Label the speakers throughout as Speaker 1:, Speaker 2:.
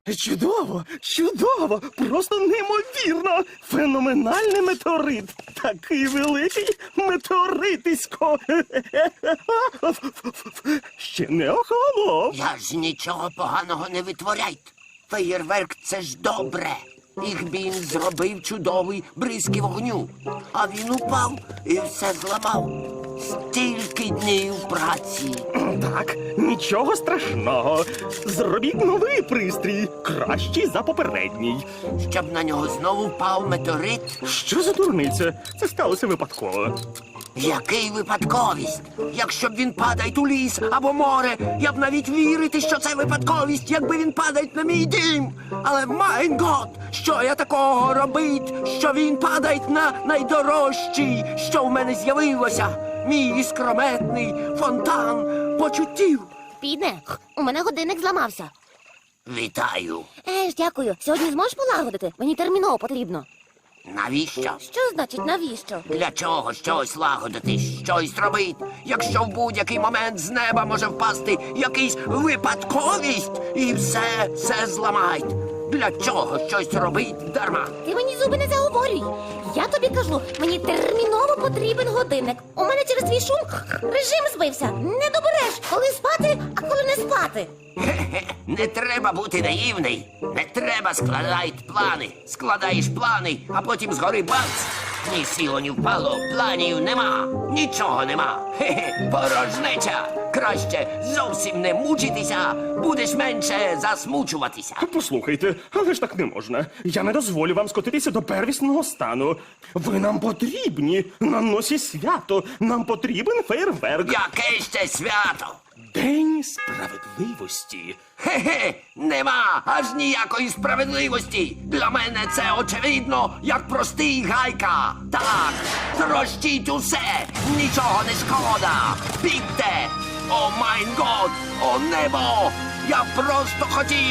Speaker 1: Чудово, чудово, просто неймовірно. Феноменальний метеорит. Такий великий метеоритисько. Ще не охолонув.
Speaker 2: Я ж нічого поганого не витворяйте. Феєрверк – це ж добре. Ігбін зробив чудовий бризки вогню. А він упав і все зламав. Стільки днів праці.
Speaker 1: Так, нічого страшного. Зробіть новий пристрій, кращий за попередній.
Speaker 2: Щоб на нього знову впав метеорит.
Speaker 1: Що за дурниця? Це сталося випадково.
Speaker 2: Який випадковість? Якщо б він падає у ліс або море, я б навіть вірити, що це випадковість, якби він падає на мій дім. Але, майн гот, що я такого робить, що він падає на найдорожчий, що в мене з'явилося? Мій іскрометний фонтан почуттів.
Speaker 3: Піде, у мене годинник зламався.
Speaker 2: Вітаю.
Speaker 3: Дякую. Сьогодні зможеш полагодити? Мені терміново потрібно.
Speaker 2: Навіщо?
Speaker 3: Що значить навіщо?
Speaker 2: Для чого щось лагодити, щось робити, якщо в будь-який момент з неба може впасти якийсь випадковість і все зламають? Для чого щось робить дарма?
Speaker 3: Ти мені зуби не заговорюй. Я тобі кажу, мені терміново потрібен годинник. У мене через твій шум режим збився. Не добереш, коли спати, а коли не спати.
Speaker 2: Хе-хе, не треба бути наївний. Не треба складати плани. Складаєш плани, а потім згори бац. Ні сіло, ні впало, планів нема. Нічого нема. Хе-хе, порожнеча. Краще зовсім не мучитися, будеш менше засмучуватися.
Speaker 1: Послухайте, але ж так не можна. Я не дозволю вам скотитися до первісного стану. Ви нам потрібні. На носі свято. Нам потрібен фейерверк.
Speaker 2: Яке ще свято?
Speaker 1: День справедливості.
Speaker 2: Хе-хе, нема аж ніякої справедливості. Для мене це очевидно, як простий гайка. Так, трощіть усе, нічого не шкода. Бігте! О майн год, о небо! Я просто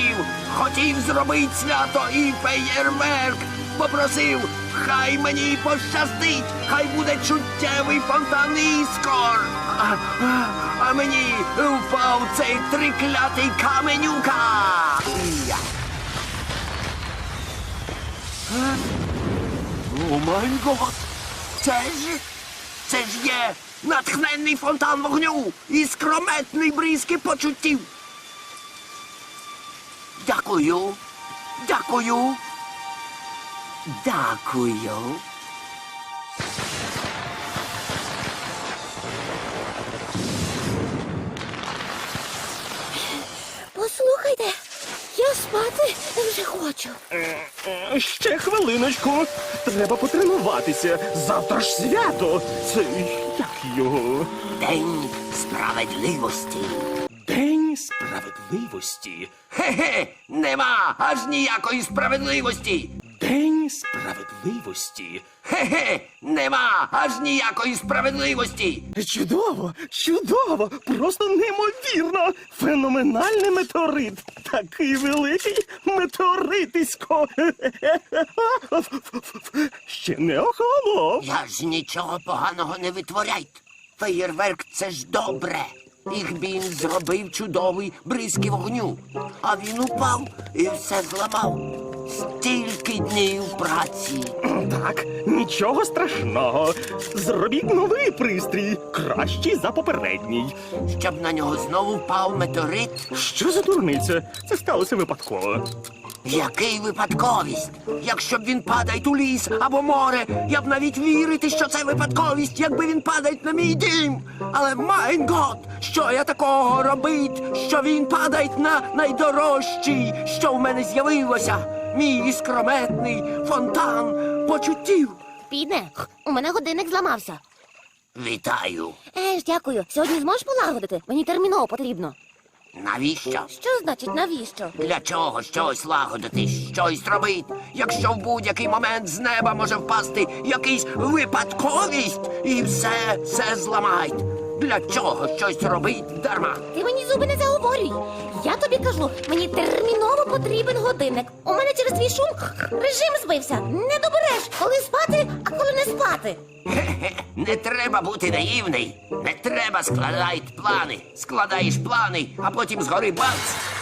Speaker 2: хотів зробити свято і феєрверк. Попросив, хай мені пощастить, хай буде чуттєвий фонтан іскор. А мені впав цей триклятий каменюка. Я. О май гот! Це ж є натхненний фонтан вогню і скрометний бризки почуттів. Дякую. Дякую. Дякую.
Speaker 3: Послухайте, я спати вже хочу.
Speaker 1: Ще хвилиночку. Треба потренуватися. Завтра ж свято. Це як його?
Speaker 2: День справедливості.
Speaker 1: День справедливості.
Speaker 2: Хе-хе, нема аж ніякої справедливості.
Speaker 1: День справедливості.
Speaker 2: Хе-хе, нема аж ніякої справедливості.
Speaker 1: Чудово, чудово, просто неймовірно. Феноменальний метеорит. Такий великий метеоритисько. Ще не охолонув.
Speaker 2: Я ж нічого поганого не витворяйте. Феєрверк – це ж добре. Ігбін зробив чудовий бризки вогню. А він упав і все зламав. Стільки днів праці.
Speaker 1: Так, нічого страшного. Зробіть новий пристрій, кращий за попередній.
Speaker 2: Щоб на нього знову впав метеорит.
Speaker 1: Що за дурниця? Це сталося випадково.
Speaker 2: Який випадковість? Якщо б він падає у ліс або море, я б навіть вірити, що це випадковість, якби він падає на мій дім. Але, майн гот, що я такого робить, що він падає на найдорожчий, що в мене з'явилося? Мій іскрометний фонтан почуттів.
Speaker 3: Піде, у мене годинник зламався.
Speaker 2: Вітаю.
Speaker 3: Дякую. Сьогодні зможеш полагодити? Мені терміново потрібно.
Speaker 2: Навіщо?
Speaker 3: Що значить навіщо?
Speaker 2: Для чого щось лагодити, щось робити, якщо в будь-який момент з неба може впасти якийсь випадковість і все зламають? Для чого щось робить дарма?
Speaker 3: Ти мені зуби не заговорюй. Я тобі кажу, мені терміново потрібен годинник. У мене через твій шум режим збився. Не добереш, коли спати, а коли не спати.
Speaker 2: Хе-хе, не треба бути наївний. Не треба складати плани. Складаєш плани, а потім згори бац.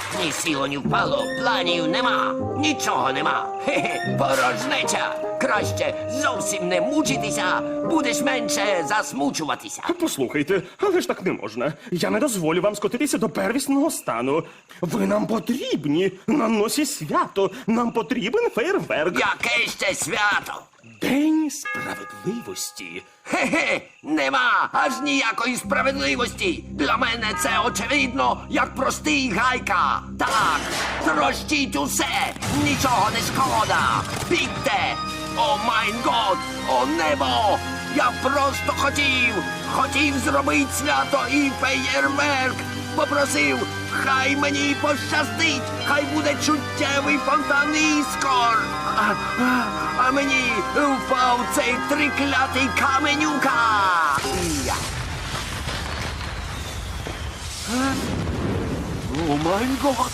Speaker 2: Ні сіло, ні впало, планів нема, нічого нема. Хе-хе, порожнеча. Краще зовсім не мучитися, будеш менше засмучуватися.
Speaker 1: Послухайте, але ж так не можна. Я не дозволю вам скотитися до первісного стану. Ви нам потрібні на носі свято. Нам потрібен фейерверк.
Speaker 2: Яке ще свято?
Speaker 1: День справедливості.
Speaker 2: Хе-хе, нема аж ніякої справедливості. Для мене це очевидно, як простий гайка. Так, трощіть усе, нічого не шкода. Бігте! О майн год, о небо! Я просто хотів зробити свято і феєрверк. Попросив, хай мені пощастить, хай буде чуттєвий фонтан іскор. А мені впав цей триклятий каменюка. Я. О май гот!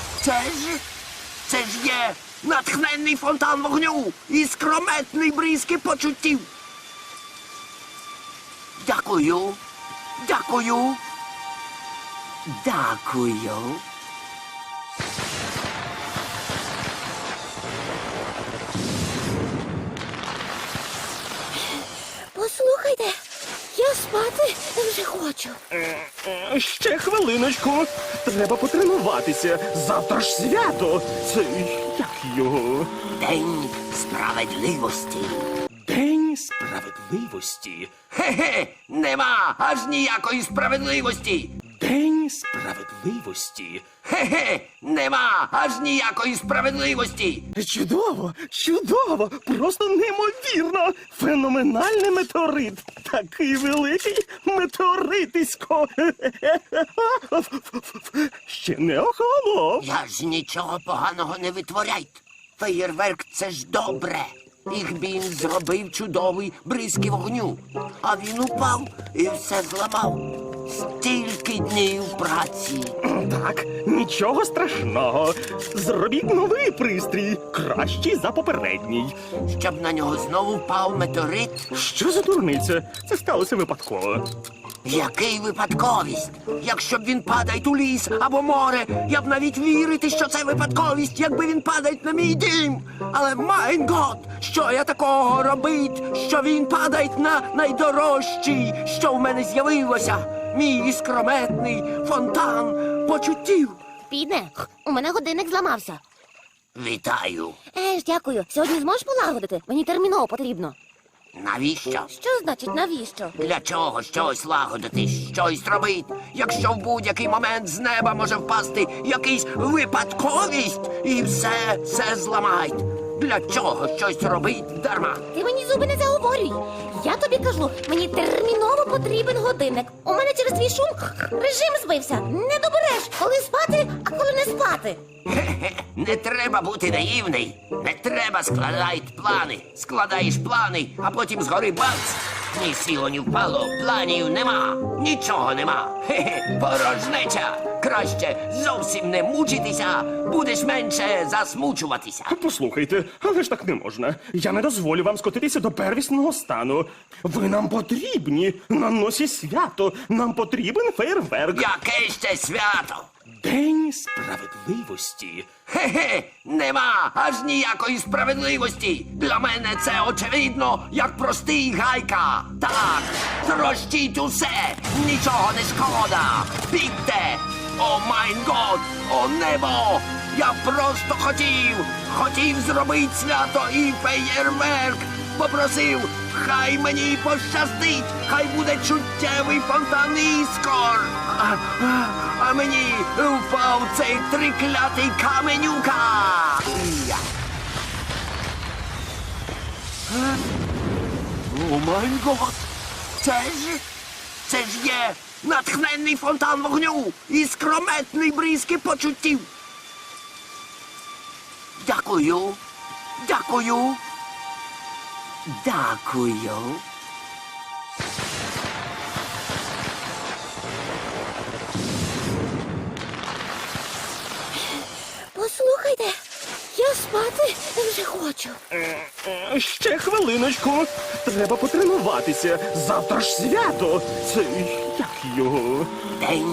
Speaker 2: Це ж є натхненний фонтан вогню і скрометний бризки почуттів. Дякую. Дякую. Дякую.
Speaker 3: Послухайте, я спати вже хочу.
Speaker 1: Ще хвилиночку. Треба потренуватися. Завтра ж свято. Це як його?
Speaker 2: День справедливості.
Speaker 1: День справедливості.
Speaker 2: Хе-хе, нема аж ніякої справедливості.
Speaker 1: День справедливості.
Speaker 2: Хе-хе, нема аж ніякої справедливості.
Speaker 1: Чудово, чудово, просто неймовірно. Феноменальний метеорит. Такий великий метеоритисько. Ще не охолонув.
Speaker 2: Я ж нічого поганого не витворяйте. Феєрверк — це ж добре. Їх він зробив чудовий бризки вогню. А він упав і все зламав. Стільки днів праці.
Speaker 1: Так, нічого страшного. Зробіть новий пристрій, кращий за попередній.
Speaker 2: Щоб на нього знову впав метеорит.
Speaker 1: Що за дурниця? Це сталося випадково.
Speaker 2: Який випадковість? Якщо б він падає у ліс або море, я б навіть вірити, що це випадковість, якби він падає на мій дім. Але майн гот, що я такого робить, що він падає на найдорожчий, що в мене з'явилося. Мій іскрометний фонтан почуттів.
Speaker 3: Піде, у мене годинник зламався.
Speaker 2: Вітаю.
Speaker 3: Дякую. Сьогодні зможеш полагодити? Мені терміново потрібно.
Speaker 2: Навіщо?
Speaker 3: Що значить навіщо?
Speaker 2: Для чого щось лагодити, щось робити, якщо в будь-який момент з неба може впасти якийсь випадковість і все зламають? Для чого щось робить дарма?
Speaker 3: Ти мені зуби не заговорюй. Я тобі кажу, мені терміново потрібен годинник. У мене через твій шум режим збився. Не добереш, коли спати, а коли не спати.
Speaker 2: Хе-хе, не треба бути наївний. Не треба складати плани. Складаєш плани, а потім згори бац. Ні сіло, ні впало, планів нема, нічого нема. Хе-хе, порожнеча. Краще зовсім не мучитися, будеш менше засмучуватися.
Speaker 1: Послухайте, але ж так не можна. Я не дозволю вам скотитися до первісного стану. Ви нам потрібні на носі свято. Нам потрібен фейерверк.
Speaker 2: Яке ще свято?
Speaker 1: День справедливості.
Speaker 2: Хе-хе, нема аж ніякої справедливості. Для мене це очевидно, як простий гайка. Так, трощіть усе, нічого не шкода. Бігте! О майн год, о небо! Я просто хотів зробити свято і феєрверк. Попросив, хай мені пощастить, хай буде чуттєвий фонтан іскор. А мені впав цей триклятий каменюка. Я. О май гот! Це ж є натхненний фонтан вогню і скрометний бризки почуттів. Дякую. Дякую. Дякую.
Speaker 3: Послухайте, я спати вже хочу.
Speaker 1: Ще хвилиночку. Треба потренуватися. Завтра ж свято. Це як його?
Speaker 2: День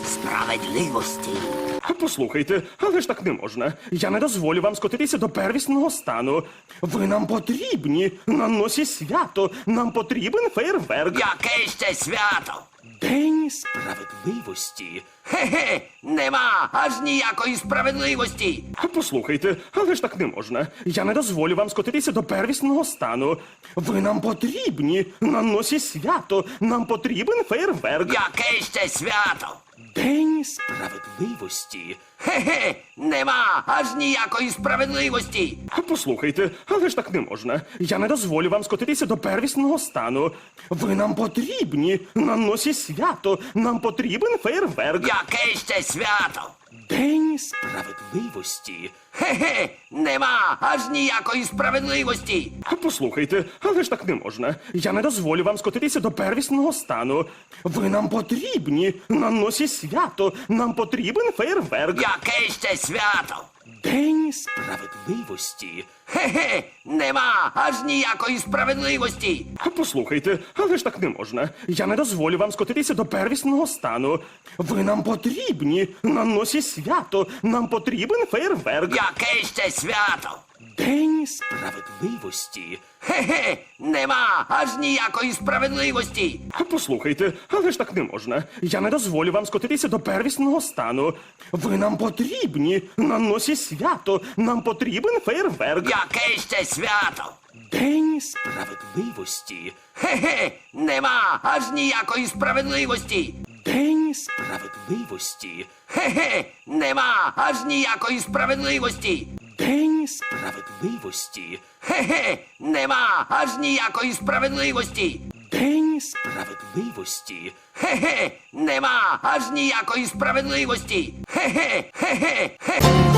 Speaker 2: справедливості.
Speaker 1: Послухайте, але ж так не можна. Я не дозволю вам скотитися до первісного стану. Ви нам потрібні на носі свято. Нам потрібен фейерверк.
Speaker 2: Яке ще свято?
Speaker 1: День справедливості.
Speaker 2: Хе-хе, нема аж ніякої справедливості.
Speaker 1: Послухайте, але ж так не можна. Я не дозволю вам скотитися до первісного стану. Ви нам потрібні на носі свято. Нам потрібен фейерверк.
Speaker 2: Яке ще свято?
Speaker 1: День справедливості.
Speaker 2: Хе-хе, нема аж ніякої справедливості.
Speaker 1: Послухайте, але ж так не можна. Я не дозволю вам скотитися до первісного стану. Ви нам потрібні на носі свято. Нам потрібен фейерверк.
Speaker 2: Яке ще свято?
Speaker 1: День справедливості.
Speaker 2: Хе-хе, нема аж ніякої справедливості.
Speaker 1: Послухайте, але ж так не можна. Я не дозволю вам скотитися до первісного стану. Ви нам потрібні на носі свято. Нам потрібен фейерверк.
Speaker 2: Яке ще свято?
Speaker 1: День справедливості.
Speaker 2: Хе-хе, нема аж ніякої справедливості.
Speaker 1: Послухайте, але ж так не можна. Я не дозволю вам скотитися до первісного стану. Ви нам потрібні на носі свято. Нам потрібен фейерверк.
Speaker 2: Яке ще свято?
Speaker 1: День справедливості.
Speaker 2: Хе-хе, нема аж ніякої справедливості.
Speaker 1: Послухайте, але ж так не можна. Я не дозволю вам скотитися до первісного стану. Ви нам потрібні на носі свято. Нам потрібен фейерверк.
Speaker 2: Яке ще свято?
Speaker 1: День справедливості.
Speaker 2: Хе-хе, нема аж ніякої справедливості.
Speaker 1: День справедливості.
Speaker 2: Хе-хе, нема аж ніякої справедливості.
Speaker 1: День справедливості.
Speaker 2: Хе-хе, нема аж ніякої справедливості.
Speaker 1: День справедливості.
Speaker 2: Хе-хе, нема аж ніякої справедливості. Хе-хе, хе-хе, хе.